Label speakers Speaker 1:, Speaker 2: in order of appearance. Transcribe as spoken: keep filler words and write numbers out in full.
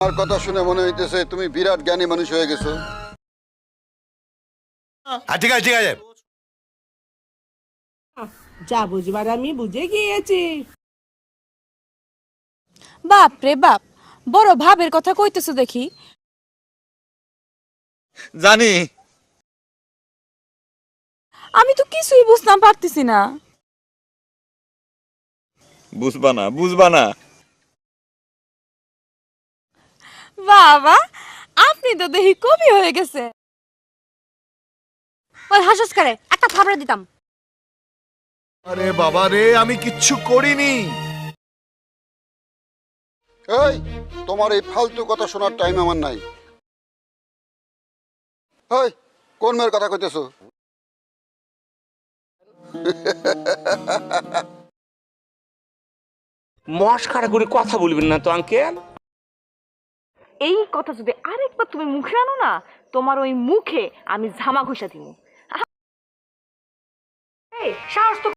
Speaker 1: আমার কথা শুনে মনে হইতেছে তুমি বিরাট জ্ঞানী মানুষ হয়ে গেছো।
Speaker 2: হ্যাঁ ঠিক আছে ঠিক আছে।
Speaker 3: যা বুঝবার আমি বুঝে গিয়েছি।
Speaker 4: বাপ রে বাপ, বড় ভাবের কথা কইতেছো দেখি।
Speaker 5: জানি।
Speaker 4: আমি তো কিছুই বুঝতাম পারতেছি না।
Speaker 5: বুঝবা না বুঝবা না।
Speaker 4: বাবা, আপনি তো দেখি কবি হয়ে গেছে।
Speaker 6: ওই হাসস করে একটা থাবড়া দিতাম।
Speaker 2: আরে বাবা রে, আমি কিচ্ছু করিনি।
Speaker 1: এই তোমার এই ফালতু কথা শোনার টাইম আমার নাই। এই কোন মেয়ের কথা কইতেছো?
Speaker 7: মস্কারা করে কথা বলবেন না তো আঙ্কেল।
Speaker 8: এই কথা যদি আরেকবার তুমি মুখে আনো না, তোমার ওই মুখে আমি ঝামা ঘষা দিব। এই সাহস তো